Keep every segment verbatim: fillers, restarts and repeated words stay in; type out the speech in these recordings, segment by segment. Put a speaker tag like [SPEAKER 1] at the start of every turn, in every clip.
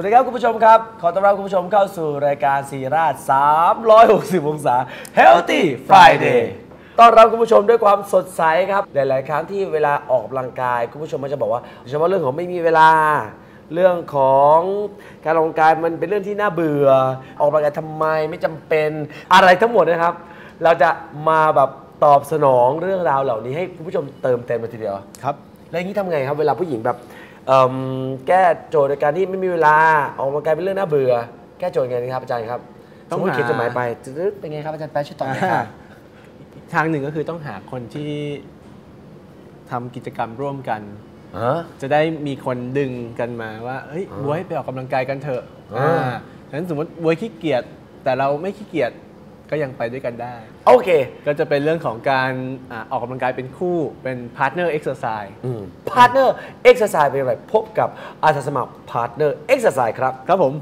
[SPEAKER 1] ดีครับคุณผู้ชมครับขอต้อนรับคุณผู้ชมเข้าสู่รายการซีราชสามร้อยหกสิบองศา Healthy Friday ต้อนรับคุณผู้ชมด้วยความสดใสครับหลายๆครั้งที่เวลาออกกำลังกายคุณผู้ชมมันจะบอกว่าเฉพาะเรื่องของไม่มีเวลาเรื่องของการออกกำลังกายมันเป็นเรื่องที่น่าเบื่อออกกำลังกายทำไมไม่จำเป็นอะไรทั้งหมดนะครับเราจะมาแบบตอบสนองเรื่องราวเหล่านี้ให้คุณผู้ชมเติมเต็มมาทีเดียวครับแล้วอย่างนี้ทำไงครับเวลาผู้หญิงแบบแก้โจทย์ในการที่ไม่มีเวลาออกกำลังกายเป็นเรื่องน่าเบื่อแก้โจทย์ไงครับอาจารย์ครับต้องเขียนจดหมายไปเป็นไงครับอาจารย์แป๊ะช่วยตอบหน่อยครับ
[SPEAKER 2] ทางหนึ่งก็คือต้องหาคนที่ทำกิจกรรมร่วมกันจะได้มีคนดึงกันมาว่าเฮ้ยบ๊วยไปออกกำลังกายกันเถอะฉะนั้นสมมติบ๊วยขี้เกียจแต่เราไม่ขี้เกียจก็ยังไปด้วยกันได้
[SPEAKER 1] โอเค
[SPEAKER 2] ก็จะเป็นเรื่องของการออกกำลังกายเป็นคู่เป็น partner exercise
[SPEAKER 1] partner exercise เป็นอะไรพบกับอาสาสมัคร partner exercise ครับ
[SPEAKER 2] ครับผม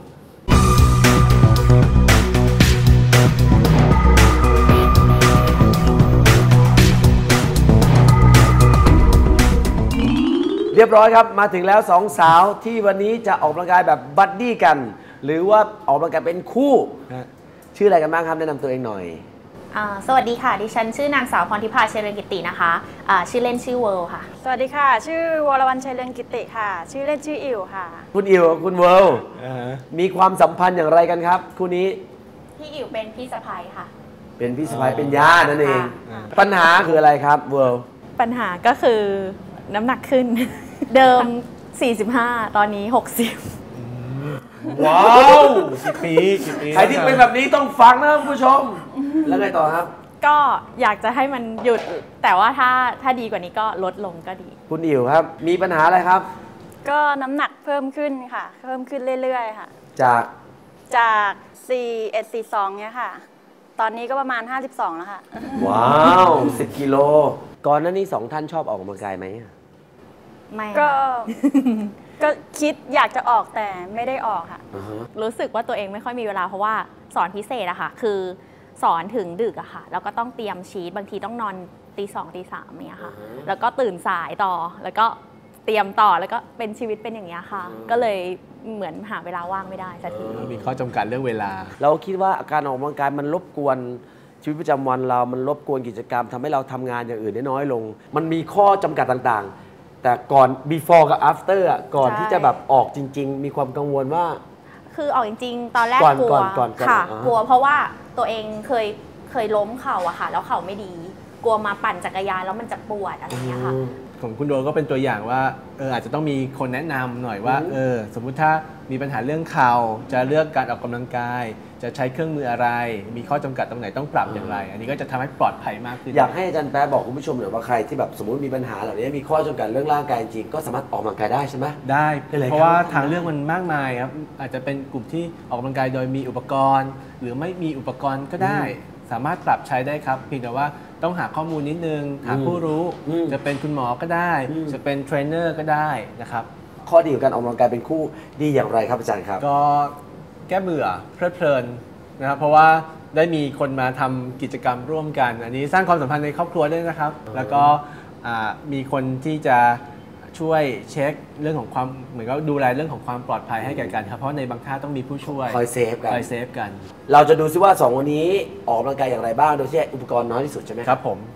[SPEAKER 1] เรียบร้อยครับมาถึงแล้วสองสาวที่วันนี้จะออกกำลังกายแบบบัดดี้กันหรือว่าออกกำลังกายเป็นคู่ชื่ออะไรกันบ้างครับแนะนำตัวเองหน่อย
[SPEAKER 3] สวัสดีค่ะดิฉันชื่อนางสาวพรทิพาชัยเรืองกิตินะคะชื่อเล่นชื่อเวิร์ลค่ะ
[SPEAKER 4] สวัสดีค่ะชื่อวรวรรณชัยเรืองกิติค่ะชื่อเล่นชื่ออิ๋วค่ะ
[SPEAKER 1] คุณอิ๋วคุณเวิร์ลมีความสัมพันธ์อย่างไรกันครับคู่นี้
[SPEAKER 3] พี่อิ๋วเป็นพี่สะใภ้ค่ะ
[SPEAKER 1] เป็นพี่สะใภ้เป็นญาตินั่นเองปัญหาคืออะไรครับเวิร์ล
[SPEAKER 4] ปัญหาก็คือน้ำหนักขึ้นเดิมสี่สิบห้าตอนนี้หกสิบ
[SPEAKER 1] ว้าวกี่ปีกี่ปีใครที่เป็นแบบนี้ต้องฟังนะคุณผู้ชมแล้วไงต่อครับ
[SPEAKER 4] ก็อยากจะให้มันหยุดแต่ว่าถ้าถ้าดีกว่านี้ก็ลดลงก็ดี
[SPEAKER 1] คุณอิ๋วครับมีปัญหาอะไรครับ
[SPEAKER 4] ก็น้ำหนักเพิ่มขึ้นค่ะเพิ่มขึ้นเรื่อยๆค่ะ
[SPEAKER 1] จาก
[SPEAKER 4] จากสี่สิบเอ็ด สี่สิบสองเนี่ยค่ะตอนนี้ก็ประมาณห้าสิบสองแล้วค่ะ
[SPEAKER 1] ว้าวสิบกิโลก่อนหน้านี้สองท่านชอบออกกำลังกายไหม
[SPEAKER 4] ไม่ก็ก็คิดอยากจะออกแต่ไม่ได้ออกค่ะ
[SPEAKER 3] uh-huh. รู้สึกว่าตัวเองไม่ค่อยมีเวลาเพราะว่าสอนพิเศษอะค่ะคือสอนถึงดึกอะค่ะแล้วก็ต้องเตรียมชีทบางทีต้องนอนตีสองตีสามเนี่ยค่ะ uh-huh. แล้วก็ตื่นสายต่อแล้วก็เตรียมต่อแล้วก็เป็นชีวิตเป็นอย่างนี้ค่ะ uh-huh. ก็เลยเหมือนหาเวลาว่างไม่ได้สักที
[SPEAKER 2] uh-huh. มีข้อจำกัดเรื่องเวลา
[SPEAKER 1] เราคิดว่าการออกกำลังกายมันรบกวนชีวิตประจำวันเรามันรบกวนกิจกรรมทำให้เราทำงานอย่างอื่นได้น้อยลงมันมีข้อจำกัดต่างๆแต่ก่อน before กับ after อ่ะก่อนที่จะแบบออกจริงๆมีความกังวลว่า
[SPEAKER 3] คือออกจริงๆตอนแรกกลัวค่ะกลัวเพราะว่าตัวเองเคยเคยล้มเข่าอะค่ะแล้วเข่าไม่ดีกลัวมาปั่นจักรยานแล้วมันจะปวดอะไรอย่างเงี้ยค่ะ
[SPEAKER 2] ของคุณโดก็เป็นตัวอย่างว่าเอออาจจะต้องมีคนแนะนำหน่อยว่าเออสมมุติถ้ามีปัญหาเรื่องเข่าจะเลือกการออกกำลังกายจะใช้เครื่องมืออะไรมีข้อจำกัดตรงไหนต้องปรับอย่างไรอันนี้ก็จะทำให้ปลอดภัยมากขึ้น
[SPEAKER 1] อยากให้อาจารย์แป๊ะบอกคุณผู้ชมหน่อยว่าใครที่แบบสมมติมีปัญหาเหล่านี้มีข้อจำกัดเรื่องร่างกายจริงก็สามารถออกกำลังกายได้ใช่ไหม
[SPEAKER 2] ได้เพราะว่าทางเลือกมันมากมายครับอาจจะเป็นกลุ่มที่ออกกำลังกายโดยมีอุปกรณ์หรือไม่มีอุปกรณ์ก็ได้สามารถปรับใช้ได้ครับเพียงแต่ว่าต้องหาข้อมูลนิดนึงหาผู้รู้จะเป็นคุณหมอก็ได้จะเป็นเทรนเนอร์ก็ได้นะครับ
[SPEAKER 1] ข้อดีของการออกกำลังกายเป็นคู่ดีอย่างไรครับอาจารย์ครับ
[SPEAKER 2] ก็แก้เบื่อเพลิดเพลินนะครับเพราะว่าได้มีคนมาทำกิจกรรมร่วมกันอันนี้สร้างความสัมพันธ์ในครอบครัวด้วยนะครับแล้วก็มีคนที่จะช่วยเช็คเรื่องของความเหมือนกับดูแลเรื่องของความปลอดภัยให้แก่กันครับเพราะในบางท่าต้องมีผู้ช่วย
[SPEAKER 1] คอยเซฟกัน
[SPEAKER 2] คอยเซฟกัน
[SPEAKER 1] เราจะดูซิว่าสองวันนี้ออกกำลังกายอย่างไรบ้างโดยที่อุปกรณ์น้อยที่สุดใช่ไหม
[SPEAKER 2] ครับผม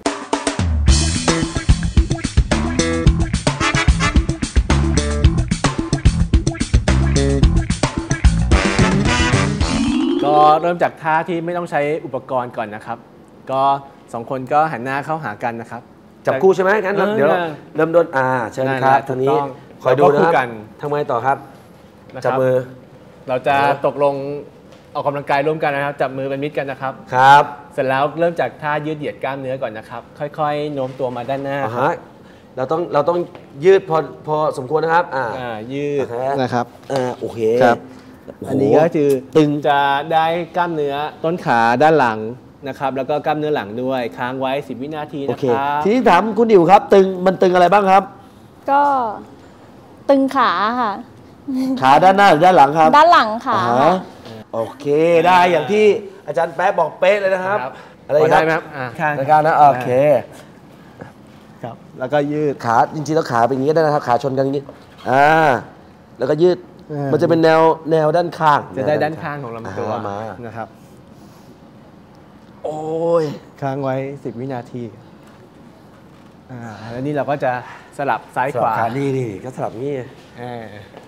[SPEAKER 2] ก็เริ่มจากท่าที่ไม่ต้องใช้อุปกรณ์ก่อนนะครับก็สองคนก็หันหน้าเข้าหากันนะครับ
[SPEAKER 1] จับคู่ใช่ไหมงั้นเดี๋ยวเริ่มต้นอ่าเชิญครับทางนี้คอยดูนะครับทำไงต่อครับจับมือ
[SPEAKER 2] เราจะตกลงออกกำลังกายร่วมกันนะครับจับมือเป็นมิตรกันนะครับ
[SPEAKER 1] ครับ
[SPEAKER 2] เสร็จแล้วเริ่มจากท่ายืดเหยียดกล้ามเนื้อก่อนนะครับค่อยๆโน้มตัวมาด้านหน้า
[SPEAKER 1] เราต้องเราต้องยืดพอพอสมควรนะครับอ่า
[SPEAKER 2] ยืดนะครับ
[SPEAKER 1] อ่าโอเค
[SPEAKER 2] อันนี้ก็คือตึงจะได้กล้ามเนื้อต้นขาด้านหลังนะครับแล้วก็กล้ามเนื้อหลังด้วยค้างไว้สิบวินาทีนะครับ
[SPEAKER 1] ทีนี้ถามคุณดิวครับตึงมันตึงอะไรบ้างครับ
[SPEAKER 4] ก็ตึงขาค่ะ
[SPEAKER 1] ขาด้านหน้าหรือด้านหลังครับ
[SPEAKER 4] ด้านหลังค่ะ
[SPEAKER 1] โอเคได้อย่างที่อาจารย์แป๊ะบอกเป๊ะเลยนะครับ
[SPEAKER 2] อะไรได้ไหมครับ
[SPEAKER 1] รายการนะโอเค
[SPEAKER 2] ครับ แล้วก็ยืด
[SPEAKER 1] ขาจริงๆแล้วขาเป็นอย่างนี้ได้นะครับขาชนกันอย่างนี้อ่าแล้วก็ยืด
[SPEAKER 2] เออ
[SPEAKER 1] มันจะเป็นแนวแนวด้านข้าง
[SPEAKER 2] จะได้ด้านข้างของลำตัว
[SPEAKER 1] อ่ามา
[SPEAKER 2] นะครับ
[SPEAKER 1] โอ้ย
[SPEAKER 2] ค้างไว้สิบวินาทีอ่าแล้วนี่เราก็จะสลับซ้าย
[SPEAKER 1] ส
[SPEAKER 2] ข
[SPEAKER 1] ลับ
[SPEAKER 2] วา
[SPEAKER 1] ขาดีดีก็สลับนี่
[SPEAKER 2] เออ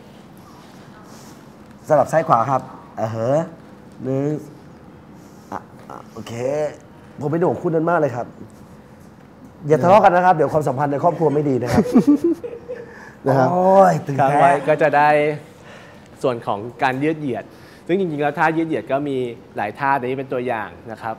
[SPEAKER 1] สลับซ้ายขวาครับอ่าเหอะหนึ่งอ่ะอ่ะโอเค ผมเป็นห่วงคุณนั้นมากเลยครับ อย่าทะเลาะกันนะครับ เดี๋ยวความสัมพันธ์ในครอบครัวไม่ดีนะครับ
[SPEAKER 2] นะครับ
[SPEAKER 1] โอ้ยตึง
[SPEAKER 2] ค้าง
[SPEAKER 1] แท้
[SPEAKER 2] ไว้ก็จะได้ส่วนของการยืดเหยียด ซึ่งจริงๆแล้วท่ายืดเหยียดก็มีหลายท่าแต่นี้เป็นตัวอย่างนะครับ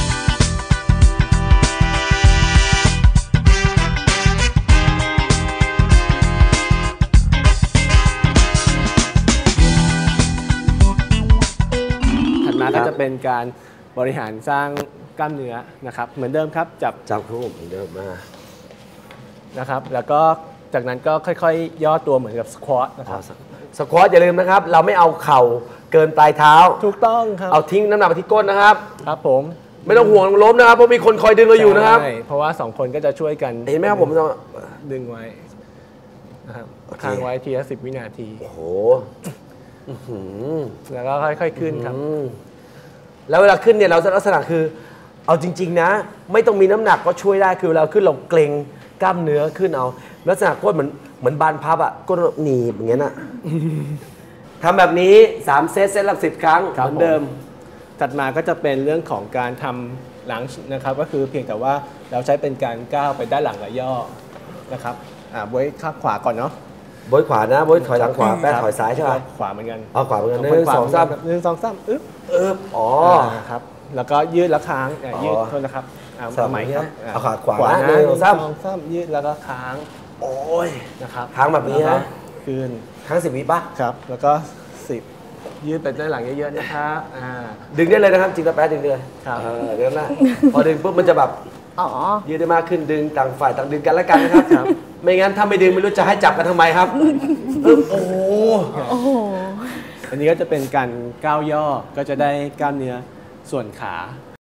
[SPEAKER 2] ถัดมาก็จะเป็นการบริหารสร้างกล้ามเนื้อนะครับ เหมือนเดิมครับจับ
[SPEAKER 1] จับคู่เหมือนเดิมมา
[SPEAKER 2] นะครับ แล้วก็จากนั้นก็ค่อยๆ ย่อตัวเหมือนกับสควอตนะครับ
[SPEAKER 1] สควอตอย่าลืมนะครับ เราไม่เอาเข่าเกินปลายเท้า
[SPEAKER 2] ถูกต้องครับ
[SPEAKER 1] เอาทิ้งน้ำหนักไปที่ก้นนะครับ
[SPEAKER 2] ครับผม
[SPEAKER 1] ไม่ต้องห่วงล้มนะครับ เพราะมีคนคอยดึงเราอยู่นะครับ
[SPEAKER 2] ใช่เพราะว่าสองคนก็จะช่วยกัน
[SPEAKER 1] เห็นไหมครับผมจะ
[SPEAKER 2] ดึงไว้นะครับ
[SPEAKER 1] โอเค
[SPEAKER 2] ค้างไว้ทีละสิบวินาที
[SPEAKER 1] โอ้โหอื้อหือ
[SPEAKER 2] แล้วก็ค่อยๆขึ้นครับ
[SPEAKER 1] อืมแล้วเวลาขึ้นเนี่ยเราจะลักษณะคือ เอาจริง ๆ นะ ไม่ต้องมีน้ำหนักก็ช่วยได้คือเวลาขึ้นเราเกร็งกล้ามเนื้อขึ้นเอาลักษณะก้นเหมือนเหมือนบานพับอ่ะก้นหนีบอย่างเงี้ยน่ะ ทำแบบนี้สามเซตเซตละสิบครั้งเห
[SPEAKER 2] ครับ
[SPEAKER 1] มือนเดิม
[SPEAKER 2] ถัดมาก็จะเป็นเรื่องของการทำหลังนะครับ ก็คือเพียงแต่ว่าเราใช้เป็นการก้าวไปด้านหลังและย่อนะครับอ่าบวยข้างขวาก่อนเนาะ
[SPEAKER 1] บอยขวานะบอยถอยหลังขวาแป๊ะถอยซ้ายใช่ไหม
[SPEAKER 2] ขวาเหมือนกัน
[SPEAKER 1] เอาขวาเหมือนกันห
[SPEAKER 2] ค
[SPEAKER 1] นึ่ง
[SPEAKER 2] ขว
[SPEAKER 1] สองสาม
[SPEAKER 2] หนึ่งสองสามอึ๊บ
[SPEAKER 1] เอออ๋อ
[SPEAKER 2] าครับแล้วก็ยืดแล้วค้างอ่ะ
[SPEAKER 1] อ๋อ
[SPEAKER 2] ยืดโทษนะครับเอา
[SPEAKER 1] สลับ
[SPEAKER 2] ใหม่ครับ
[SPEAKER 1] อย่างเงี้ยเอาขาขวา
[SPEAKER 2] ขวา
[SPEAKER 1] นะ
[SPEAKER 2] นะ
[SPEAKER 1] หนึ่งสองสาม
[SPEAKER 2] หนึ่งสามยืดแล้วก็ค้าง
[SPEAKER 1] โอ้ย
[SPEAKER 2] นะครับ
[SPEAKER 1] ค้างแบบนี้นะ
[SPEAKER 2] ล้วก็คืน
[SPEAKER 1] ทั้งสิบวิปะ
[SPEAKER 2] ครับ แล้วก็สิบยืดไปด้านหลังเยอะๆนะครับอ่า
[SPEAKER 1] ดึงได้เลยนะครับจริงแล้วแป๊ะดึงเลย
[SPEAKER 2] ครับ
[SPEAKER 1] เออเดี๋ยวนะพอดึงปุ๊บมันจะแบบ
[SPEAKER 3] อ๋อ
[SPEAKER 1] ยืดได้มากขึ้นดึงต่างฝ่ายต่างดึงกันแล้วกันนะครับ ไม่งั้นถ้าไม่ดึงไม่รู้จะให้จับกันทำไมครับเออโอ้โห
[SPEAKER 3] โอ้โห
[SPEAKER 2] อันนี้ก็จะเป็นการก้าวย่อก็จะได้กล้ามเนื้อส่วนขา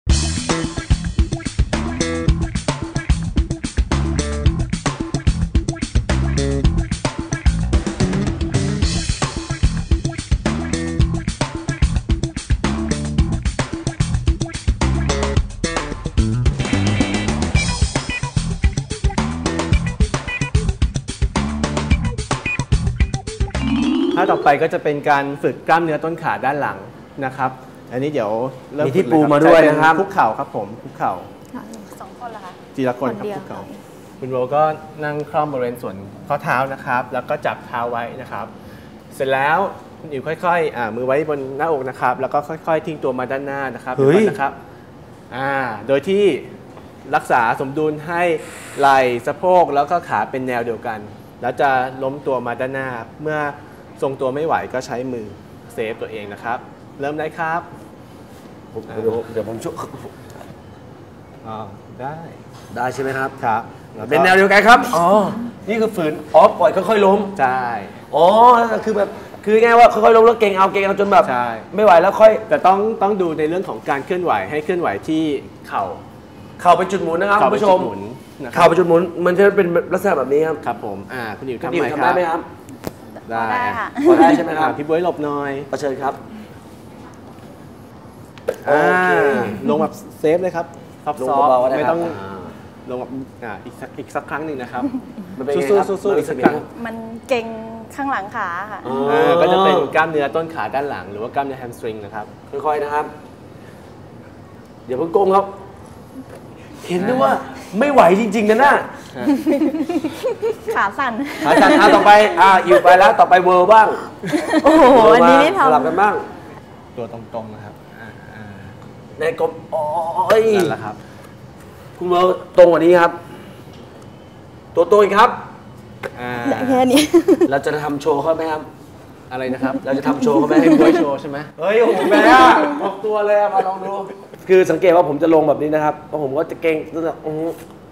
[SPEAKER 2] ท่าต่อไปก็จะเป็นการฝึกกล้ามเนื้อต้นขาด้านหลังนะครับ อันนี้เดี๋ยวเริ่ม
[SPEAKER 1] มีที่
[SPEAKER 2] ฝึก
[SPEAKER 1] ปู
[SPEAKER 2] เลย
[SPEAKER 1] มาด้วย
[SPEAKER 2] ใช้เป็
[SPEAKER 1] นะครับ
[SPEAKER 2] คุกเข่าครับผมคุกเข่า
[SPEAKER 3] สองคนเหรอคะ
[SPEAKER 2] ทีละคนครับ
[SPEAKER 3] คนเดียว
[SPEAKER 2] คุกเข่าคุณโรก็นั่งคล่อมบริเวณส่วนข้อเท้านะครับ แล้วก็จับเท้าไว้นะครับ เสร็จแล้วคุณอิ๋วค่อยๆอ่ามือไว้บนหน้าอกนะครับ แล้วก็ค่อยๆทิ้งตัวมาด้านหน้านะครับ
[SPEAKER 1] เฮ้ย
[SPEAKER 2] ดี๋วก่อนนะครับอ่าโดยที่รักษาสมดุลให้ไหล่สะโพกแล้วก็ขาเป็นแนวเดียวกัน แล้วจะล้มตัวมาด้านหน้า เมื่อทรงตัวไม่ไหวก็ใช้มือเซฟตัวเองนะครับ เริ่มได้ครับ
[SPEAKER 1] ผมเดี๋ยวเดี๋ยวผมช่วย
[SPEAKER 2] อ่าได้
[SPEAKER 1] ได้ใช่ไหมครับ
[SPEAKER 2] ครับล้วก็
[SPEAKER 1] เป็นแนวเดียวกันครับอ๋อนี่คือฝืนอ๋อปล่อยค่อยๆล้ม
[SPEAKER 2] ใช่
[SPEAKER 1] อ๋อคือแบบคือง่ายว่าค่อยๆล้มแล้วเก่งเอาเก่งเอาจนแบบ
[SPEAKER 2] ใช่
[SPEAKER 1] ไม่ไหวแล้วค่อย
[SPEAKER 2] แต่ต้องต้องดูในเรื่องของการเคลื่อนไหวให้เคลื่อนไหวที่เข่า
[SPEAKER 1] เข่าเป็นจุดหมุนนะครับ
[SPEAKER 2] เข่า
[SPEAKER 1] คุณ
[SPEAKER 2] เป็น
[SPEAKER 1] ผู้ช
[SPEAKER 2] จุ
[SPEAKER 1] ม
[SPEAKER 2] ดหมุนนะค
[SPEAKER 1] เข่า
[SPEAKER 2] รับ
[SPEAKER 1] เป็นจุดหมุนมันจะเป็นลักษณะแบบนี้ครับ
[SPEAKER 2] ครับผมอ่าคุณอิ๋ว
[SPEAKER 1] คุณ
[SPEAKER 2] ทำ
[SPEAKER 1] ดิว
[SPEAKER 2] ไหม
[SPEAKER 1] ทำ
[SPEAKER 2] ค
[SPEAKER 1] ได้
[SPEAKER 2] รับ
[SPEAKER 1] ไหมครับ
[SPEAKER 2] ได้
[SPEAKER 3] ได้ค่ะ
[SPEAKER 1] พอได้ใช่ไหมครับ
[SPEAKER 2] อ่าพี่บ๊วยหลบหน่อย
[SPEAKER 1] ขอเชิญครับ
[SPEAKER 2] อ่า
[SPEAKER 1] โอเค
[SPEAKER 2] ลงแบบเซฟเลยครับซอฟ
[SPEAKER 1] ลง
[SPEAKER 2] ต์
[SPEAKER 1] เบาๆก็ได้
[SPEAKER 2] ไม่
[SPEAKER 1] ครับ
[SPEAKER 2] ต้อง
[SPEAKER 1] อ่า
[SPEAKER 2] ลงแบบอ่าอีกสักอีกสักครั้งหนึ่งนะครับ
[SPEAKER 1] มันเป็นไง
[SPEAKER 2] สู้
[SPEAKER 1] ครับ
[SPEAKER 2] ๆสู้ๆ
[SPEAKER 1] มัน
[SPEAKER 2] อี
[SPEAKER 1] รู้
[SPEAKER 2] ก
[SPEAKER 1] สึ
[SPEAKER 2] สั
[SPEAKER 1] ก
[SPEAKER 2] ก
[SPEAKER 1] ไง
[SPEAKER 2] ครั้ง
[SPEAKER 3] มันเก่งข้างหลังขาค่ะ
[SPEAKER 1] อ๋อ
[SPEAKER 2] อ่าก็จะเป็นกล้ามเนื้อต้นขาด้านหลัง หรือว่ากล้ามเนื้อแฮมสตริงนะครับ
[SPEAKER 1] ค่อยๆนะครับ เดี๋ยวเพิ่งโกงครับ เห็นด้วยว่าไม่ไหวจริงๆนะน่ะ
[SPEAKER 3] ขาสั่น
[SPEAKER 1] อาจารย์อ่ะต่อไปอ่าอยู่ไปแล้วต่อไปเวิร์บ้าง
[SPEAKER 3] โอ้โห
[SPEAKER 1] เวิร์
[SPEAKER 3] อัน
[SPEAKER 1] มา
[SPEAKER 3] นี้นี่
[SPEAKER 1] สลับ
[SPEAKER 3] ทำ
[SPEAKER 1] กันบ้าง
[SPEAKER 2] ตัวตรงๆนะครับอ่าอ่า
[SPEAKER 1] ในกลมโอ้ย
[SPEAKER 2] นั่นแหละครับ
[SPEAKER 1] คุณเวิร์ตรงกว่านี้ครับ ตัวตรงอีกครับ
[SPEAKER 2] อ่า
[SPEAKER 3] แค่นี้
[SPEAKER 1] เราจะทำโชว์เขาไหมครับ
[SPEAKER 2] อะไรนะครับ
[SPEAKER 1] เราจะทำโชว์เขาไหม
[SPEAKER 2] ให้บ๊วยโชว์ใช่ไหม
[SPEAKER 1] เฮ้ยโอ้โหแม่ออกตัวเลยอะมาลองดู คือสังเกตว่าผมจะลงแบบนี้นะครับเพราะผมก็จะเก่งตั้งแต่อื้อ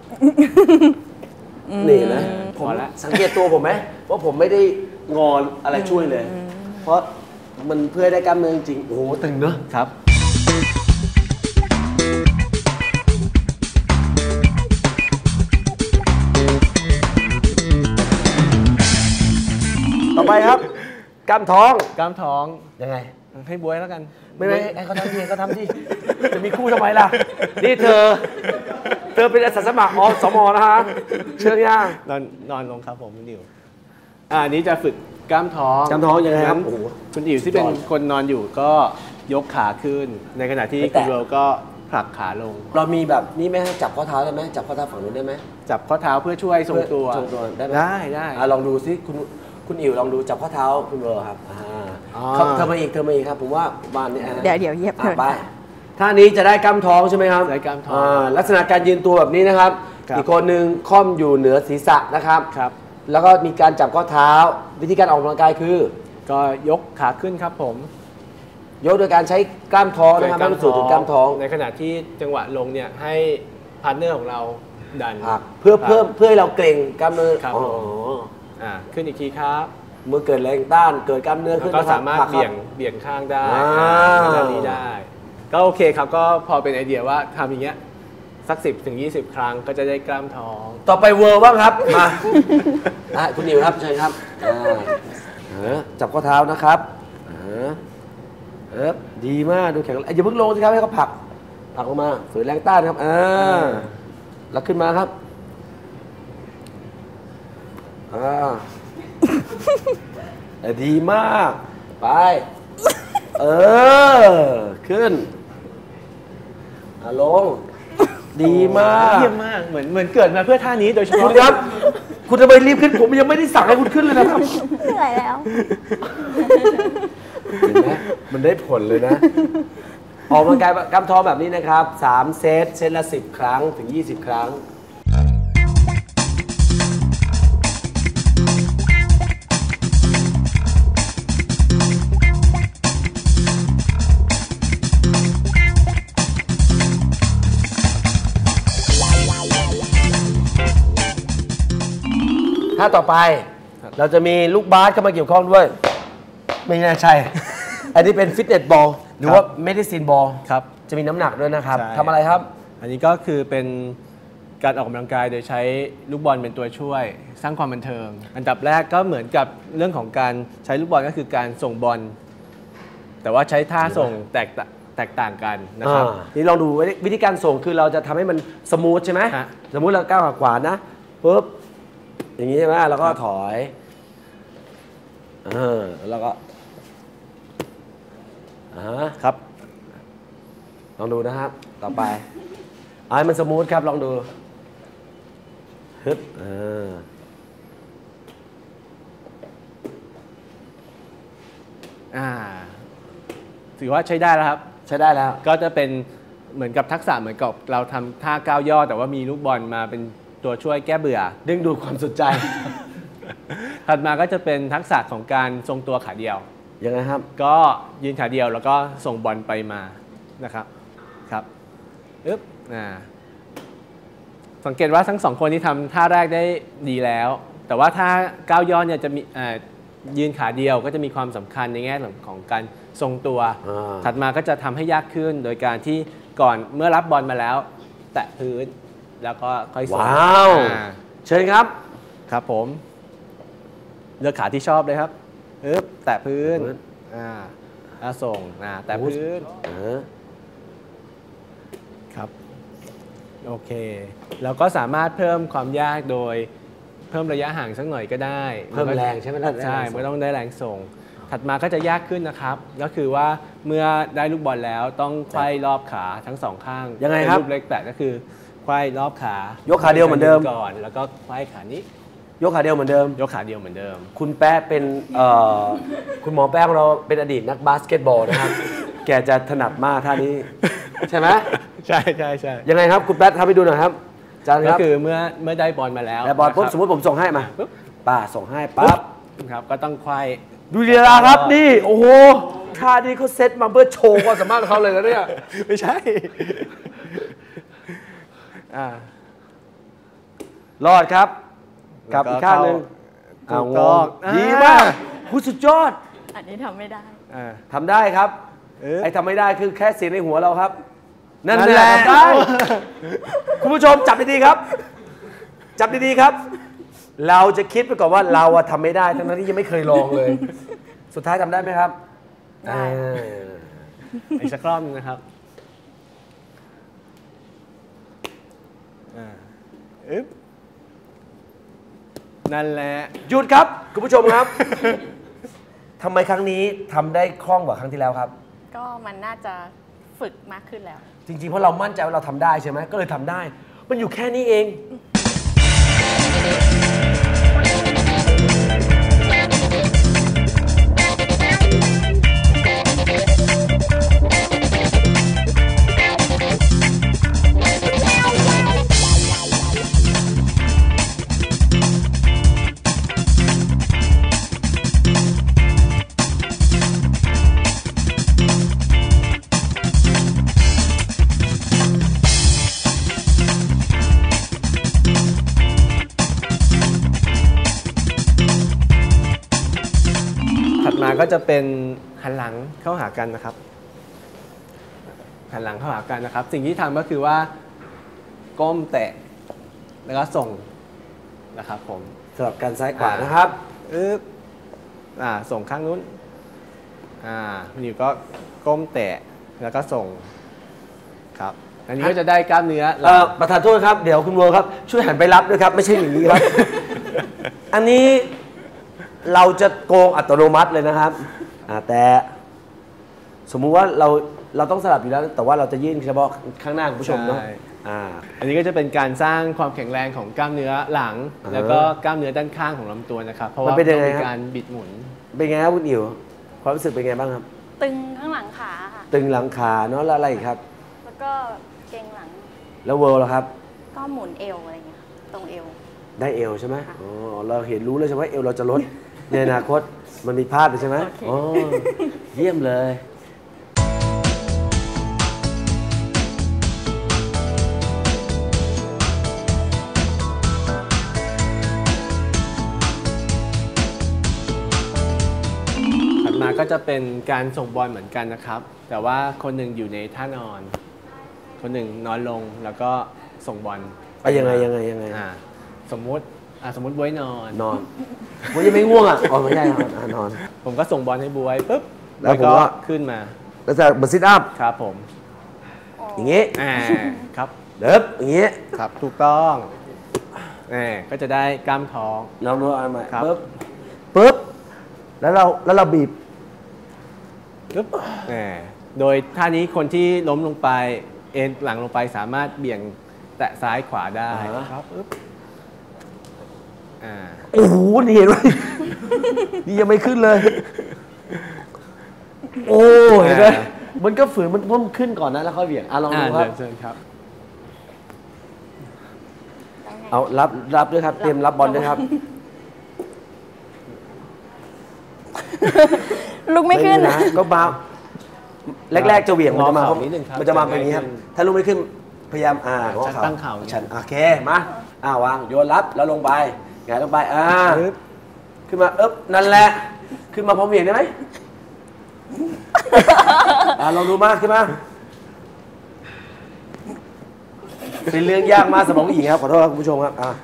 [SPEAKER 1] นี่นะผมสังเกตตัวผมไหมว่าผมไม่ได้งอนอะไรช่วยเลย เพราะมันเพื่อให้ได้กล้ามเนื้อจริงๆโอ้โหตึงเนอะ
[SPEAKER 2] ครับ
[SPEAKER 1] ต่อไปครับกล้ามท้อง
[SPEAKER 2] กล้ามท้อง
[SPEAKER 1] ยังไง
[SPEAKER 2] ให้บวยแล้วกัน
[SPEAKER 1] ไม่ไม่ให้เขาทำทีเขาทำที่จะมีคู่ทำไมล่ะนี่เธอ เธอเป็นอาสาสมัครอสมนะฮะเชิญย่าง
[SPEAKER 2] นอนนอนลงครับผมคุณอิ๋วอ่าอันนี้จะฝึกกล้ามท้อง
[SPEAKER 1] กล้ามท้องยังไงครับ
[SPEAKER 2] งั้น
[SPEAKER 1] โอ้โห
[SPEAKER 2] คุณอิ๋วที่เป็นคนนอนอยู่ก็ยกขาขึ้น ในขณะที่
[SPEAKER 1] ไม่แตะ
[SPEAKER 2] คุณเวลก็ผลักขาลง
[SPEAKER 1] เรามีแบบนี้ไหมฮะจับข้อเท้าได้ไหมจับข้อเท้าฝั่งนู้นได้ไหม
[SPEAKER 2] จับข้อเท้าเพื่อช่วยทรงตัว
[SPEAKER 1] ทรงตัวได้ไหม
[SPEAKER 2] ได้ได้
[SPEAKER 1] อ่ะลองดูซิคุณคุณอิ๋วลองดูจับข้อเท้าคุณเวอร์ครับอ่า
[SPEAKER 2] อ๋อ
[SPEAKER 1] เขาเธอมาอีกเธอมาอีกครับผมว่าบ้านนี้อ่ะ
[SPEAKER 4] เดี๋ยวเดี๋ยวเหยียบเธอ
[SPEAKER 1] อ่ะไปท่านี้จะได้กล้ามท้องใช่ไหมครับ
[SPEAKER 2] ได้กล้ามท้อง
[SPEAKER 1] าลักษณะการยืนตัวแบบนี้นะครับ
[SPEAKER 2] ครับ
[SPEAKER 1] อีกคนหนึ่งค่อมอยู่เหนือศีรษะนะครับ
[SPEAKER 2] ครับ
[SPEAKER 1] แล้วก็มีการจับข้อเท้า วิธีการออกกำลังกายคือ
[SPEAKER 2] ก็ยกขาขึ้นครับผม
[SPEAKER 1] ยกโดยการใช้กล้ามท้องนะครับให้มันสู่ถึงกล้ามท้อง
[SPEAKER 2] ในขณะที่จังหวะลงเนี่ยให้พาร์ทเนอร์ของเราดัน
[SPEAKER 1] ผลักเพื่อ
[SPEAKER 2] ผลัก
[SPEAKER 1] เพิ่มเพื่อให้เราเกร็งกล้ามเนื้อ
[SPEAKER 2] ครับ
[SPEAKER 1] อ๋อ
[SPEAKER 2] อ่าขึ้นอีกทีครับ
[SPEAKER 1] เมื่อเกิดแรงต้านเกิดกล้ามเนื้อ
[SPEAKER 2] แล้ว
[SPEAKER 1] ขึ้น
[SPEAKER 2] ก็
[SPEAKER 1] นะครับ
[SPEAKER 2] สามารถ
[SPEAKER 1] ผลักค
[SPEAKER 2] เบี่ย
[SPEAKER 1] บ
[SPEAKER 2] งเบี่ยงข้างได้
[SPEAKER 1] อ่า
[SPEAKER 2] ด้านนี้ได้ ก็โอเคครับก็พอเป็นไอเดียว่าทำอย่างเงี้ยสักสิบถึงยี่สิบครั้งก็จะได้กล้ามท้อง
[SPEAKER 1] ต่อไปเวอร์บ้างครับ มาอ่ะคุณนิวครับเชิญครับอ่าเออจับข้อเท้านะครับเออเออดีมากดูแข็งแรงอย่าเพิ่งลงสิครับให้เขาผลักผลักลงมาฝืนแรงต้านครับอ่าแล้วขึ้นมาครับอ่าเออดีมากไปเออขึ้นอ่ะลงดีมาก
[SPEAKER 2] เยี่ยมมากเหมือนเหมือนเกิดมาเพื่อท่านี้โดยเฉ
[SPEAKER 1] คุ
[SPEAKER 2] พาะ
[SPEAKER 1] ณครับ คุณทำไมรีบขึ้นผมยังไม่ได้สั่งให้คุณขึ้นเลยนะครับ
[SPEAKER 4] เหนื่อยแล้ว
[SPEAKER 1] เห็นไหมมันได้ผลเลยนะ ออกกำลังกายกล้ามท้องแบบนี้นะครับสามเซตเซตละสิบครั้งถึงยี่สิบครั้ง ถ้าต่อไปเราจะมีลูกบาสเข้ามาเกี่ยวข้องด้วย ไม่น่าใช่ อันนี้เป็นฟิตเนสบอลหรือว่าเมดิซินบอล
[SPEAKER 2] ครับ
[SPEAKER 1] จะมีน้ำหนักด้วยนะครับ
[SPEAKER 2] ใช่
[SPEAKER 1] ทำอะไรครับ
[SPEAKER 2] อันนี้ก็คือเป็นการออกกำลังกายโดยใช้ลูกบอลเป็นตัวช่วย สร้างความบันเทิง อันดับแรกก็เหมือนกับเรื่องของการใช้ลูกบอลก็คือการส่งบอลแต่ว่าใช้ท่าส่งแตกต่างแตกต่างกันนะครับ
[SPEAKER 1] อ่านี่ลองดูวิธีการส่งคือเราจะทำให้มันสมูทใช่ไหม
[SPEAKER 2] ฮะ
[SPEAKER 1] สมมุติเราก้าวขวานะปุ๊บอย่างนี้ใช่ไหมแล้วก็
[SPEAKER 2] ครับ
[SPEAKER 1] ถอยเออแล้วก็อ่า
[SPEAKER 2] ครับ
[SPEAKER 1] ลองดูนะครับ ต่อไปเอาให้มันสมูทครับลองดูฮึบเออ
[SPEAKER 2] อ่าถือว่าใช้ได้แล้วครับ
[SPEAKER 1] ใช้ได้แล้ว
[SPEAKER 2] ก็จะเป็นเหมือนกับทักษะเหมือนกับเราทำท่าก้าวย่อแต่ว่ามีลูกบอลมาเป็นตัวช่วยแก้เบื่อ
[SPEAKER 1] ดึงดูดความสนใจ
[SPEAKER 2] ถัดมาก็จะเป็นทักษะของการทรงตัวขาเดียว
[SPEAKER 1] ยังไงครับ
[SPEAKER 2] ก็ยืนขาเดียวแล้วก็ส่งบอลไปมานะครับครับอึ๊บอ่าสังเกตว่าทั้งสองคนที่ทำท่าแรกได้ดีแล้ว แต่ว่าท่าก้าวย่อเนี่ยจะมีอ่ายืนขาเดียวก็จะมีความสำคัญในแง่ของการทรงตัว
[SPEAKER 1] อ่า
[SPEAKER 2] ถัดมาก็จะทำให้ยากขึ้นโดยการที่ก่อนเมื่อรับบอลมาแล้ว แตะพื้นแล้วก็ค่อยส่ง
[SPEAKER 1] ว้าว
[SPEAKER 2] อ่า
[SPEAKER 1] เชิญครับ
[SPEAKER 2] ครับผมเลือกขาที่ชอบเลยครับอึ๊บแตะพื้น
[SPEAKER 1] พื้น
[SPEAKER 2] อ่าแล้วส่งอ่าแตะพื้น
[SPEAKER 1] เออ
[SPEAKER 2] ครับโอเคเราก็สามารถเพิ่มความยากโดยเพิ่มระยะห่างสักหน่อยก็ได้
[SPEAKER 1] เพิ่มแรงใช่ไหมล่ะ
[SPEAKER 2] ใช่ไม่ต้องได้แรงส่ง ถัดมาก็จะยากขึ้นนะครับ ก็คือว่าเมื่อได้ลูกบอลแล้วต้องไขว้รอบขาทั้งสองข้าง
[SPEAKER 1] ยังไงครับ
[SPEAKER 2] เป็นรูปเล็กแปดก็คือไขว้รอบขาย
[SPEAKER 1] กขาเดียวเหมือนเดิม
[SPEAKER 2] ก่อนแล้วก็ไขว้ขานี้
[SPEAKER 1] ยกขาเดียวเหมือนเดิม
[SPEAKER 2] ยกขาเดียวเหมือนเดิม
[SPEAKER 1] คุณแป๊ะเป็นเอ่อคุณหมอแป๊ะของเราเป็นอดีตนักบาสเกตบอลนะครับ แกจะถนัดมากท่านี้ ใช่ไหม
[SPEAKER 2] ใช่ใช่ใช่
[SPEAKER 1] ยังไงครับคุณแป๊ะทำให้ดูหน่อยครับอาจารย์ค
[SPEAKER 2] ก็
[SPEAKER 1] รับ
[SPEAKER 2] คือเมื่อเมื่อได้บอลมาแล้ว
[SPEAKER 1] แต่บอลปุ๊บ
[SPEAKER 2] นะค
[SPEAKER 1] ส
[SPEAKER 2] รั
[SPEAKER 1] มมติผมส่งให้มา
[SPEAKER 2] ปุ๊บ
[SPEAKER 1] ป้าส่งให้ปั๊บ
[SPEAKER 2] ครับก็ต้องไขว้
[SPEAKER 1] ดูลีลาครับนี่ โอ้โหท่านี้เขาเซตมาเพื่อโชว์ความสามารถของเขาเลยนะเนี่ย
[SPEAKER 2] ไม่ใช่อ่าร
[SPEAKER 1] อดครับกลับอีกข้างหนึ่ง
[SPEAKER 2] ถู
[SPEAKER 1] เอา
[SPEAKER 2] ก
[SPEAKER 1] ง
[SPEAKER 2] ต้อง
[SPEAKER 1] งดีมากผู้สุดยอด
[SPEAKER 4] อันนี้ทำไม่ได้
[SPEAKER 2] อ่า
[SPEAKER 1] ทำได้ครับ
[SPEAKER 2] เอ๊ะ
[SPEAKER 1] ไอ้ทำไม่ได้คือแค่เสียงในหัวเราครับ นั่น
[SPEAKER 2] นั่น
[SPEAKER 1] แห
[SPEAKER 2] แห
[SPEAKER 1] ละ
[SPEAKER 2] ละ
[SPEAKER 1] ทำได้ คุณผู้ชมจับดีๆครับ จับดีๆครับ เราจะคิดไปก่อนว่าเราอะทำไม่ได้ทั้งนั้นที่ยังไม่เคยลองเลยสุดท้ายทำได้ไหมครับ
[SPEAKER 3] ได้
[SPEAKER 1] เออ
[SPEAKER 2] อีกสักรอบนึงนะครับอ่าอึ๊บนั่นแหละ
[SPEAKER 1] หยุดครับคุณผู้ชมครับ ทำไมครั้งนี้ทำได้คล่องกว่าครั้งที่แล้วครับ
[SPEAKER 3] ก็มันน่าจะฝึกมากขึ้นแล้ว
[SPEAKER 1] จริงๆเพราะเรามั่นใจว่าเราทำได้ใช่ไหมก็เลยทำได้ มันอยู่แค่นี้เอง
[SPEAKER 2] ถัดมาก็จะเป็นหันหลังเข้าหากันนะครับ หันหลังเข้าหากันนะครับ สิ่งที่ทำก็คือว่าก้มแตะแล้วก็ส่งนะครับผม
[SPEAKER 1] สลับกันซ้ายขวานะครับ
[SPEAKER 2] อึ๊บอ่าส่งข้างนู้นอ่าคุณอยู่ก็ก้มแตะแล้วก็ส่งครับอันนี้ก็จะได้กล้ามเนื้อ
[SPEAKER 1] เอ่อประธานโทษครับเดี๋ยวคุณวัวครับช่วยหันไปรับด้วยครับ ไม่ใช่อย่างนี้ครับ อันนี้เราจะโกงอัตโนมัติเลยนะครับอ่าแต่สมมุติว่าเราเราต้องสลับอยู่แล้ว แต่ว่าเราจะยื่นเฉพาะข้างหน้าคุณผู้ชมเนาะ
[SPEAKER 2] ใช่
[SPEAKER 1] อ่า
[SPEAKER 2] อันนี้ก็จะเป็นการสร้างความแข็งแรงของกล้ามเนื้อหลัง
[SPEAKER 1] อ่าฮะ
[SPEAKER 2] แล้วก็กล้ามเนื้อด้านข้างของลำตัวนะครับเพราะ
[SPEAKER 1] มัน
[SPEAKER 2] ว่า
[SPEAKER 1] เป็นยังไง
[SPEAKER 2] ต้อง
[SPEAKER 1] ครับ
[SPEAKER 2] มีการบิดหมุน
[SPEAKER 1] เป็นไงครับคุณอิ๋วความรู้สึกเป็นไงบ้างครับ
[SPEAKER 3] ตึงข้างหลังขาค่ะ
[SPEAKER 1] ตึงหลังขาเนาะแล้วอะไรอีกครับ
[SPEAKER 3] แล้วก็เกร็งหลัง
[SPEAKER 1] แล้วเวิร์ลล่ะครับ
[SPEAKER 3] ก็หมุนเอวอะไรเงี้ยตรงเอว
[SPEAKER 1] ได้เอวใช่ไหมอ๋อเราเห็นรู้เลยใช่ไหมเอวเราจะลด ในอนาคตมันมีพลาดใช่ไหม
[SPEAKER 3] โอเค
[SPEAKER 1] อ๋อเยี่ยมเลย
[SPEAKER 2] ถัดมาก็จะเป็นการส่งบอลเหมือนกันนะครับ แต่ว่าคนหนึ่งอยู่ในท่านอน คนหนึ่งนอนลงแล้วก็ส่งบอล
[SPEAKER 1] ไปยังไงยังไงยังไง
[SPEAKER 2] อ่าสมมุติอ่าสมมุติบ๊วยนอน
[SPEAKER 1] นอนมันยังไม่ง่วงอ่ะอ๋อไม่ใช่นอนอ่ะนอน
[SPEAKER 2] ผมก็ส่งบอลให้บ๊วยปุ๊บ
[SPEAKER 1] แล้วผม
[SPEAKER 2] ก็
[SPEAKER 1] ก็
[SPEAKER 2] ขึ้นมา
[SPEAKER 1] แล้วจะเหมือนซิทอัพ
[SPEAKER 2] ครับผม
[SPEAKER 1] อย่างงี้
[SPEAKER 2] อ่าครับ
[SPEAKER 1] เดิบอย่างงี้
[SPEAKER 2] ครับถูกต้องแหมก็จะได้กล้ามท้อง
[SPEAKER 1] ลองดูอันใหม่
[SPEAKER 2] ครับ
[SPEAKER 1] ปึ๊บปึ๊บแล้วเราแล้วเราบีบ
[SPEAKER 2] ปึ๊บแหมโดยท่านี้คนที่ล้มลงไปเอ็นหลังลงไปสามารถเบี่ยงแตะซ้ายขวาได้ครับปึ๊บอ่า
[SPEAKER 1] โอ้โหนี่เห็นไหม นี่ยังไม่ขึ้นเลย โอ้เห็นไหมมันก็ฝืนมันต้องขึ้นก่อนนะแล้วค่อยเบี่ยงอ่ะลองดูครับ
[SPEAKER 2] เชิญครับ
[SPEAKER 1] เอารับรับด้วยครับ เตรียมรับบอลด้วยครับ
[SPEAKER 3] ลุกไม่ขึ้น
[SPEAKER 1] นะก็มาแรกๆจะเหวี่ยงมันจะมา
[SPEAKER 2] งอเข่านิดนึงครับ
[SPEAKER 1] มันจะมาเป็นอย่างนี้ครับ ถ้าลุกไม่ขึ้นพยายามอ่า
[SPEAKER 2] จะตั้งเข่า
[SPEAKER 1] ฉันโอเคมาอ่าวางโยนรับแล้วลงไปหงายลงไปอ่า
[SPEAKER 2] ปึ๊บ
[SPEAKER 1] ขึ้นมาเอ๊บนั่นแหละขึ้นมาพร้อมเหวี่ยงได้ไหม อ่าลองดูมากขึ้นมาเป็นเรื่องยากมากสำหรับผู้หญิงครับขอโทษครับคุณผู้ชมครับอ่า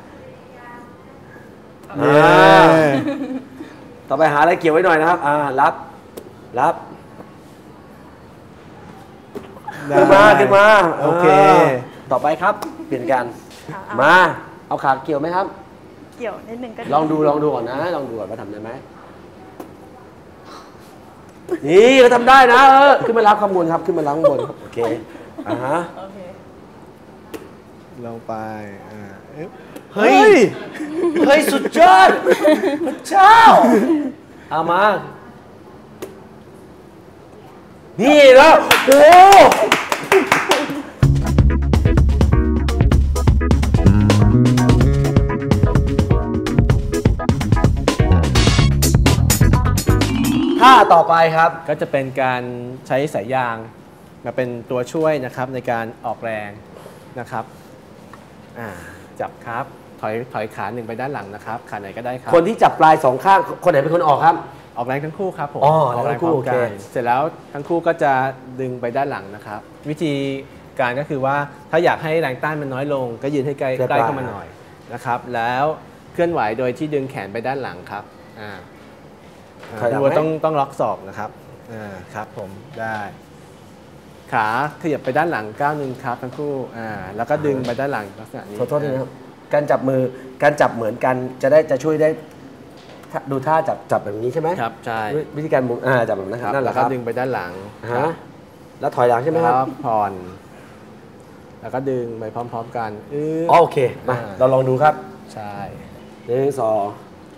[SPEAKER 1] อ่าต่อไปหาอะไรเกี่ยวไว้หน่อยนะครับอ่ารับรับ ขึ้นมาขึ้นมา
[SPEAKER 2] โอเค
[SPEAKER 1] ต่อไปครับ เปลี่ยนกัน
[SPEAKER 3] เอาเอา
[SPEAKER 1] มาเอาขาเกี่ยวไหมครับ
[SPEAKER 3] เกี่ยวนิดนึงก็
[SPEAKER 1] ลองดูลองดูก่อนนะ ลองดูก่อนว่าทำได้ไหมนี่ก็ทำได้นะเออขึ้นมารับข้างบนครับขึ้นมารับข้างบนครับโอเคอ่าฮะ
[SPEAKER 3] โอเค
[SPEAKER 2] ลงไปอ่าอึ๊บ
[SPEAKER 1] เฮ้ยเฮ้ยสุดยอดพระเจ้าเอามานี่แล้วโอ้ท่าต่อไปครับ
[SPEAKER 2] ก็จะเป็นการใช้สายยางมาเป็นตัวช่วยนะครับในการออกแรงนะครับอ่าจับครับถอยถอยขาหนึ่งไปด้านหลังนะครับขาไหนก็ได้ครับ
[SPEAKER 1] คนที่จับปลายสองข้างคนไหนเป็นคนออกครับ
[SPEAKER 2] ออกแรงทั้งคู่ครับผม
[SPEAKER 1] อ๋อ
[SPEAKER 2] ออกแรง
[SPEAKER 1] ทั้งคู่
[SPEAKER 2] พร้อมกั
[SPEAKER 1] โอน เค
[SPEAKER 2] เสร็จแล้วทั้งคู่ก็จะดึงไปด้านหลังนะครับ วิธีการก็คือว่าถ้าอยากให้แรงต้านมันน้อยลง ก็ยืนให้ใกล้ใกล้เข้ามาหน่อยนะครับ แล้วเคลื่อนไหวโดยที่ดึงแขนไปด้านหลังครับอ่า
[SPEAKER 1] ถอยหลัง
[SPEAKER 2] คุณ
[SPEAKER 1] ไหม
[SPEAKER 2] โบต้องต้องล็อกศอกนะครับอ่าครับผมได้ขาขยับไปด้านหลังก้าวหนึ่งครับทั้งคู่อ่าแล้วก็ดึงไปด้านหลังลักษณะนี้
[SPEAKER 1] ขอโทษทีนะครับการจับมือการจับเหมือนกันจะได้จะช่วยได้ถ้าดูท่าจับจับแบบนี้ใช่ไหม
[SPEAKER 2] ครับใช่
[SPEAKER 1] ด้วยวิธีการหมุนอ่าจับแบบนั้นค
[SPEAKER 2] ค
[SPEAKER 1] รั
[SPEAKER 2] รั
[SPEAKER 1] บบ นั่นแห
[SPEAKER 2] แล้
[SPEAKER 1] ละ
[SPEAKER 2] ว
[SPEAKER 1] ค
[SPEAKER 2] ก็
[SPEAKER 1] รับ
[SPEAKER 2] ดึงไปด้านหลัง
[SPEAKER 1] ฮะแล้วถอยหลังใช่ไหมครับ
[SPEAKER 2] แล้วผ่อนแล้วก็ดึงไปพร้อม ๆ กันอื้อ
[SPEAKER 1] อ๋อโอเคมา
[SPEAKER 2] อ่า
[SPEAKER 1] เราลองดูครับ
[SPEAKER 2] ใช่
[SPEAKER 1] หนึ่งสอง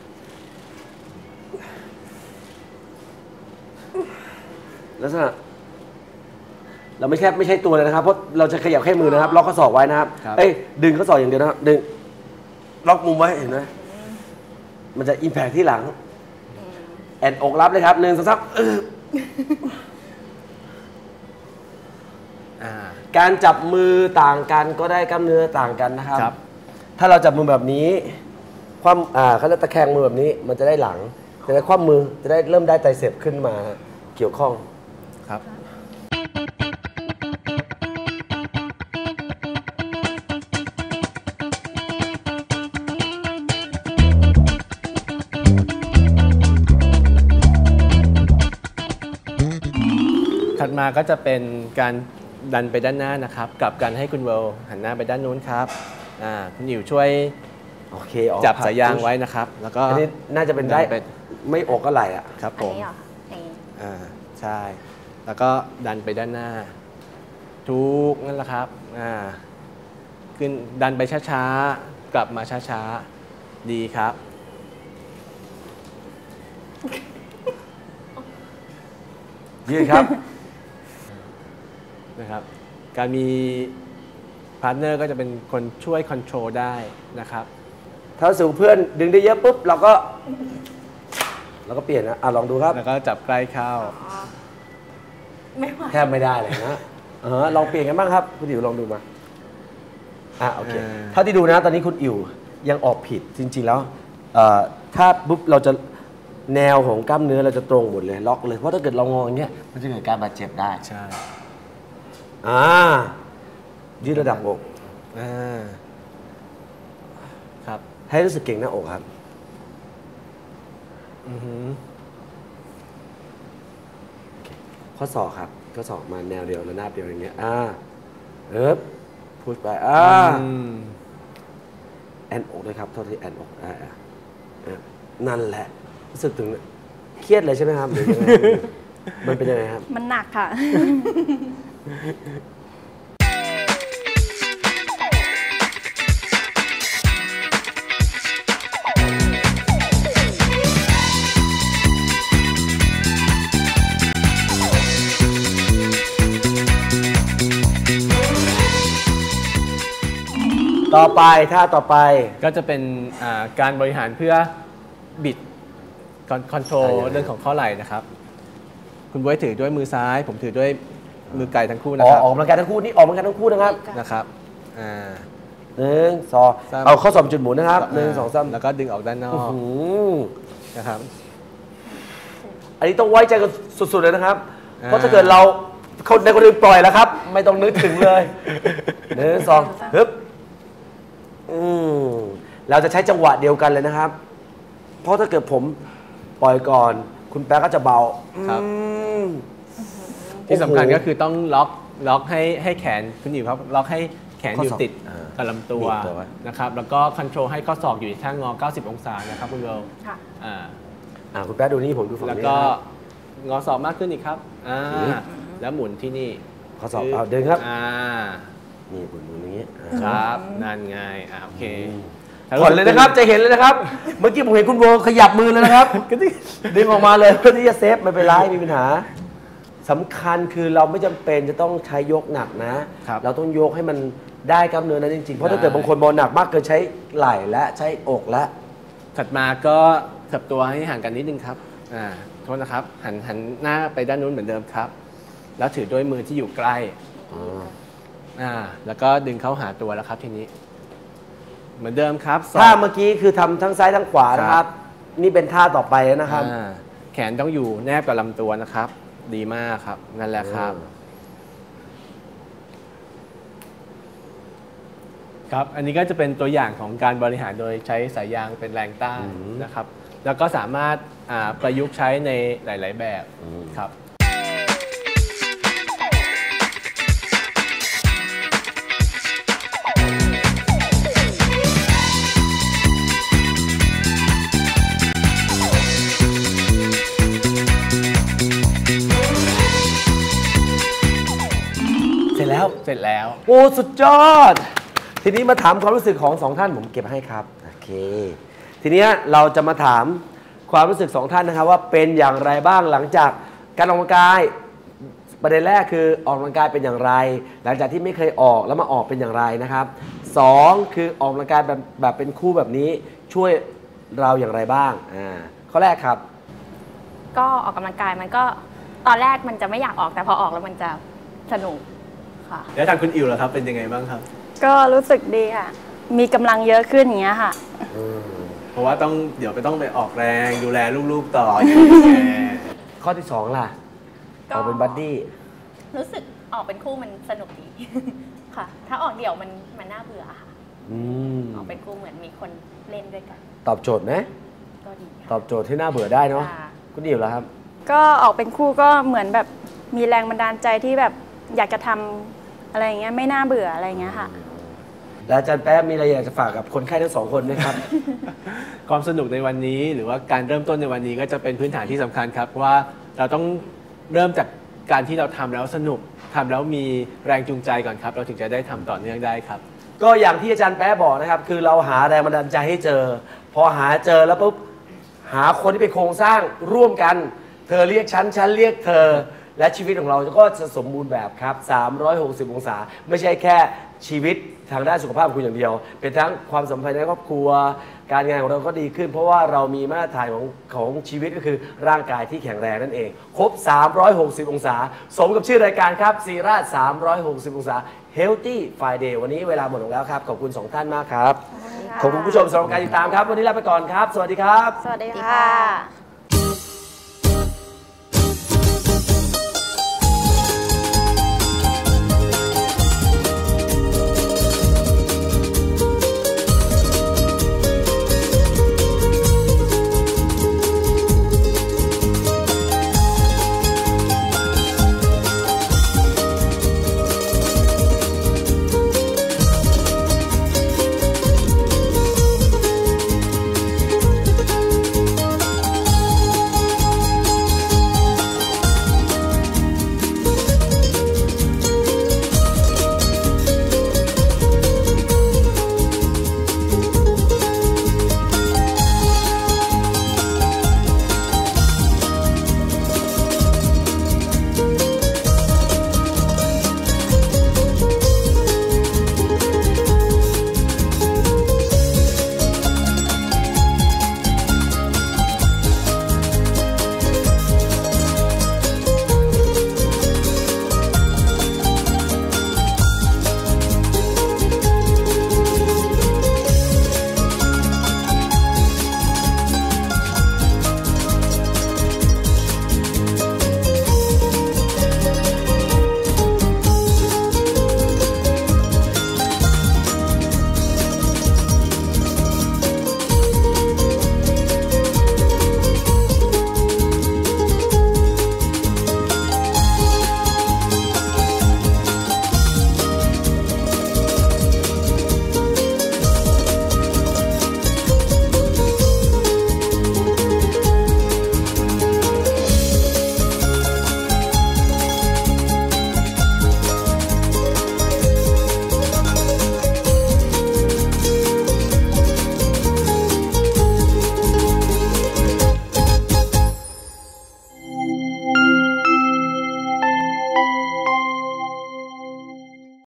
[SPEAKER 1] ลักษณะเราไม่แค่ไม่ใช่ตัวเลยนะครับเพราะเราจะขยับแค่มือนะครับล็อกข้อศอกไว้นะครับเอ้ยดึงข้อศอกอย่างเดียวนะครับดึงล็อกมุมไว้เห็นไหมมันจะอิมแพคที่หลังแอนอกรับเลยครับหนึ่งสองสามเออ
[SPEAKER 2] อ่า
[SPEAKER 1] การจับมือต่างกันก็ได้กล้ามเนื้อต่างกันนะครับ
[SPEAKER 2] ครับ
[SPEAKER 1] ถ้าเราจับมือแบบนี้คว่ำอ่าเขาจะตะแคงมือแบบนี้ มันจะได้หลังจะได้คว่ำมือจะได้เริ่มได้ไตรเสพขึ้นมาเกี่ยวข้อง
[SPEAKER 2] ครับถัดมาก็จะเป็นการดันไปด้านหน้านะครับกับการให้คุณเวลหันหน้าไปด้านนู้นครับอ่าคุณหยิวช่วย
[SPEAKER 1] โอเคอ๋อ
[SPEAKER 2] จับสายยางไว้นะครับ แล้วก็
[SPEAKER 1] อันนี้น่าจะเป็นได้
[SPEAKER 2] ดันไป
[SPEAKER 1] ไม่อกก็ไหลอ่ะ
[SPEAKER 2] ครับ
[SPEAKER 3] อั
[SPEAKER 2] ผ
[SPEAKER 3] น
[SPEAKER 2] ม
[SPEAKER 3] นี้เหรออย่างนี้
[SPEAKER 2] อ่าใช่ แล้วก็ดันไปด้านหน้า ทุกนั่นแหละครับอ่าขึ้นดันไปช้าๆ กลับมาช้าๆ ดีครับ
[SPEAKER 1] ยืดครับ
[SPEAKER 2] นะครับ การมีพาร์ทเนอร์ก็จะเป็นคนช่วยคอนโทรลได้นะครับ
[SPEAKER 1] ถ้าสูงเพื่อนดึงได้เยอะปุ๊บเราก็เราก็เปลี่ยนนะอ่ะลองดูครับ
[SPEAKER 2] แล้วก็จับใกล้เข้า
[SPEAKER 3] ไม่ไหว
[SPEAKER 1] แทบไม่ได้เลยนะเออลองเปลี่ยนกันบ้างครับคุณอิ๋วลองดูมาอ่ะโอเค
[SPEAKER 2] อ่า
[SPEAKER 1] เท่าที่ดูนะตอนนี้คุณอิ๋วยังออกผิดจริง ๆ แล้วเอ่อถ้าปุ๊บเราจะแนวของกล้ามเนื้อเราจะตรงหมดเลยล็อกเลยเพราะถ้าเกิดเรางออย่างเงี้ยมันจะเกิดการบาดเจ็บได้
[SPEAKER 2] ใช่
[SPEAKER 1] อ่ายืดระดับอก
[SPEAKER 2] อ่าครับ
[SPEAKER 1] ให้รู้สึกเก่งหน้าอกครับ
[SPEAKER 2] อือหือ
[SPEAKER 1] ข้อศอกครับข้อศอกมาแนวเดียวระนาบเดียวอย่างเงี้ยอ่าเอิบพุชไปอ่า
[SPEAKER 2] อืม
[SPEAKER 1] แอนอกด้วยครับโทษทีแอนอกอ่าอ่าอ่านั่นแหละรู้สึกถึงเครียดเลยใช่ไหมครับหรือยังไง มันเป็นยังไงครับ
[SPEAKER 4] มันหนักค่ะ
[SPEAKER 1] ต่อไปท่าต่อไป
[SPEAKER 2] ก็จะเป็นอ่าการบริหารเพื่อบิดคอนโทรล
[SPEAKER 1] อ่ายังไง
[SPEAKER 2] เรื่องของข้อไหล่นะครับ คุณบ๊วยถือด้วยมือซ้าย ผมถือด้วยมือไก่ทั้งคู่นะ
[SPEAKER 1] อ๋อ
[SPEAKER 2] ครับ
[SPEAKER 1] ออกกำลังกายทั้งคู่นี่ออกกำลังกายทั้งคู่นะครับ
[SPEAKER 2] นะครับอ่า
[SPEAKER 1] หนึ่งสอง
[SPEAKER 2] สาม
[SPEAKER 1] เอาข้อศอกจุดหมุนนะครับหนึ่งสองสาม
[SPEAKER 2] แล้วก็ดึงออกด้านนอ
[SPEAKER 1] อื้อก หือ
[SPEAKER 2] นะครับ
[SPEAKER 1] อันนี้ต้องไว้ใจกันสุดๆเลยนะครับ
[SPEAKER 2] อ่า
[SPEAKER 1] เพราะถ้าเกิดเราคนในคนอื่นปล่อยแล้วครับ ไม่ต้องนึกถึงเลยหนึ่งสองฮึบอืมเราจะใช้จังหวะเดียวกันเลยนะครับ เพราะถ้าเกิดผมปล่อยก่อน คุณแป๊ะก็จะเบา
[SPEAKER 2] ครับ
[SPEAKER 1] อืม
[SPEAKER 2] ที่สำคัญ
[SPEAKER 1] โอ้โห
[SPEAKER 2] ก็คือต้องล็อกล็อกให้ให้แขนคุณอยู่ครับล็อกให้แขน
[SPEAKER 1] ข้อ
[SPEAKER 2] อยู่
[SPEAKER 1] ศอก
[SPEAKER 2] ติด
[SPEAKER 1] อ่า
[SPEAKER 2] กับลำตัว
[SPEAKER 1] บีบตัวไว้
[SPEAKER 2] นะครับแล้วก็คอนโทรลให้ข้อศอกอยู่ที่ท่างอ เก้าสิบ องศานะครับคุณเบล
[SPEAKER 3] ค่ะ
[SPEAKER 2] อ่า
[SPEAKER 1] อ่าคุณแป๊ะดูนี่ผมดูฝั่ง
[SPEAKER 2] แล้ว
[SPEAKER 1] นี้
[SPEAKER 2] ก็
[SPEAKER 1] นะครับ
[SPEAKER 2] งอศอกมากขึ้นอีกครับอ่า
[SPEAKER 1] อืม
[SPEAKER 2] แล้วหมุนที่นี่
[SPEAKER 1] ข้อศอกเอาเดินครับ
[SPEAKER 2] อ่า
[SPEAKER 1] นี่หมุนหมุนอย่างนี้อ่า
[SPEAKER 2] ครับนั่นไงอ่าโอเค
[SPEAKER 1] ผ่อนเลยนะครับ จะเห็นเลยนะครับ เมื่อกี้ผมเห็นคุณโบขยับมือเลยนะครับ ดึงออกมาเลยเพื่อที่จะเซฟไม่เป็นไรไม่มีปัญหาสำคัญคือเราไม่จำเป็นจะต้องใช้ยกหนักนะ
[SPEAKER 2] ครับ
[SPEAKER 1] เราต้องยกให้มันได้กล้ามเนื้อนั้นจริงๆ เพราะถ้า
[SPEAKER 2] ได้
[SPEAKER 1] เกิดบางคนบอลหนักมากเกินใช้ไหล่และใช้อกและ
[SPEAKER 2] ถัดมาก็ขับตัวให้ห่างกันนิดนึงครับอ่าโทษนะครับหันหันหน้าไปด้านนู้นเหมือนเดิมครับ แล้วถือด้วยมือที่อยู่ใกล้อ่าแล้วก็ดึงเข้าหาตัวแล้วครับทีนี้ เหมือนเดิมครับศอก
[SPEAKER 1] ท่าเมื่อกี้คือทำทั้งซ้ายทั้งขวานะค
[SPEAKER 2] ครั
[SPEAKER 1] รับ
[SPEAKER 2] บ
[SPEAKER 1] นี่เป็นท่าต่อไปนะครับ
[SPEAKER 2] อ่าแขนต้องอยู่แนบกับลำตัวนะครับ ดีมากครับ นั่นแหละครับ ครับ อันนี้ก็จะเป็นตัวอย่างของการบริหารโดยใช้สายยางเป็นแรงต้าน
[SPEAKER 1] อืม
[SPEAKER 2] นะครับ หแล้วก็สามารถอ่าประยุกต์ใช้ในหลาย ๆ แบบครับ
[SPEAKER 1] เสร็จแล้ว
[SPEAKER 2] เสร็จแล้ว
[SPEAKER 1] โอ้สุดยอด ทีนี้มาถามความรู้สึกของสองท่านผมเก็บให้ครับโอเคทีนี้เราจะมาถามความรู้สึกสองท่านนะครับว่าเป็นอย่างไรบ้างหลังจากการออกกำลังกายประเด็นแรกคือออกกำลังกายเป็นอย่างไร หลังจากที่ไม่เคยออกแล้วมาออกเป็นอย่างไรนะครับสองคือออกกำลังกายแบบแบบเป็นคู่แบบนี้ช่วยเราอย่างไรบ้างอ่าข้อแรกครับ
[SPEAKER 3] ก็ออกกำลังกายมันก็ตอนแรกมันจะไม่อยากออกแต่พอออกแล้วมันจะสนุกค่ะ
[SPEAKER 2] แล้วทางคุณอิวล่ะครับเป็นยังไงบ้างครับ
[SPEAKER 4] ก็รู้สึกดีค่ะ มีกำลังเยอะขึ้นอย่างเงี้ยค่ะ
[SPEAKER 2] เพราะว่าต้องเดี๋ยวไปต้องไปออกแรงดูแลลูกๆต่ออย่างเงี้ย
[SPEAKER 1] ข้อที่สองล่ะ
[SPEAKER 3] ก็
[SPEAKER 1] ออกเป็นบัดดี้
[SPEAKER 3] รู้สึกออกเป็นคู่มันสนุกดี ค่ะ ถ้าออกเดี่ยวมันมันน่าเบื่อค่ะ
[SPEAKER 1] อืม
[SPEAKER 3] ออกเป็นคู่เหมือนมีคนเล่นด้วยกัน
[SPEAKER 1] ตอบโจทย์ไหม
[SPEAKER 3] ก็ดี
[SPEAKER 1] ตอบโจทย์ที่น่าเบื่อได้เนาะ
[SPEAKER 3] ค่ะ
[SPEAKER 1] คุณอิ๋วแล้วครับ
[SPEAKER 4] ก็ออกเป็นคู่ก็เหมือนแบบมีแรงบันดาลใจที่แบบอยากจะทำอะไรอย่างเงี้ยไม่น่าเบื่ออะไรอย่างเงี้ยค่ะ
[SPEAKER 1] แล้วอาจารย์แป๊บมีอะไรอยากจะฝากกับคนไข้ทั้งสองคนไหมครับ
[SPEAKER 2] ความสนุกในวันนี้หรือว่าการเริ่มต้นในวันนี้ก็จะเป็นพื้นฐานที่สำคัญครับเพราะว่าเราต้องเริ่มจากการที่เราทำแล้วสนุกทำแล้วมีแรงจูงใจก่อนครับ เราถึงจะได้ทำต่อเนื่องได้ครับ
[SPEAKER 1] ก็อย่างที่อาจารย์แป๊ะบอกนะครับ คือเราหาแรงบันดาลใจให้เจอ พอหาเจอแล้วปุ๊บหาคนที่เป็นโครงสร้างร่วมกัน เธอเรียกฉันฉันเรียกเธอ และชีวิตของเราก็จะสมบูรณ์แบบครับสามร้อยหกสิบองศาไม่ใช่แค่ชีวิตทางด้านสุขภาพของคุณอย่างเดียว เป็นทั้งความสัมพันธ์ในครอบครัว การงานของเราก็ดีขึ้น เพราะว่าเรามีมาตรฐานของของชีวิตก็คือร่างกายที่แข็งแรงนั่นเอง ครบ สามร้อยหกสิบ องศา สมกับชื่อรายการครับซีราชสามร้อยหกสิบ องศา Healthy Friday วันนี้เวลาหมดลงแล้วครับ ขอบคุณสองท่านมากครับ ขอบคุณผู้ชมสำหรับการติดตามครับ วันนี้ลาไปก่อนครับ สวัสดีครับ
[SPEAKER 4] สวัสดีค่ะ